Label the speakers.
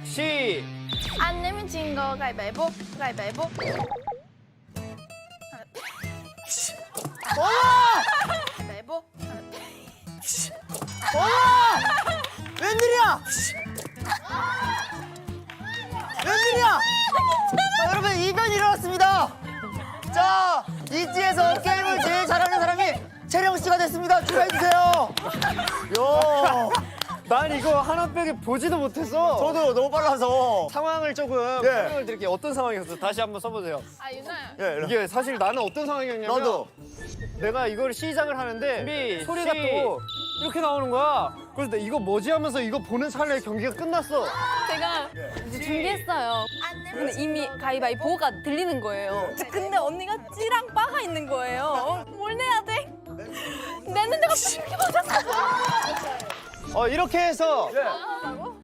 Speaker 1: 시.
Speaker 2: 안 내면 진 거 가위바위보. 가위바위보. 가위바위보.
Speaker 3: 웬일이야? 웬일이야? 자, 여러분 이변이 일어났습니다. 자, 이지에서 게임을 제일 잘하는 사람이 재령 씨가 됐습니다. 축하해 주세요. 요.
Speaker 1: 난 이거 하나밖에 보지도 못해서
Speaker 3: 저도 너무 빨라서.
Speaker 1: 상황을 조금
Speaker 3: 예.
Speaker 1: 설명을 드릴게요. 어떤 상황이었어? 다시 한번 써보세요.
Speaker 2: 아 유나야.
Speaker 3: 예,
Speaker 1: 이게 사실 나는 어떤 상황이었냐면
Speaker 3: 너도.
Speaker 1: 내가 이걸 시작을 하는데 소리가
Speaker 2: 시.
Speaker 1: 또 이렇게 나오는 거야. 그래서 내가 이거 뭐지 하면서 이거 보는 찰나에 경기가 끝났어.
Speaker 4: 제가 이제 준비했어요. 근데 이미 가위바위보가 들리는 거예요. 근데 언니가 찌랑 빠가 있는 거예요. 뭘 내야 돼? 내는 데가 이렇게 맞았어.
Speaker 1: 이렇게 해서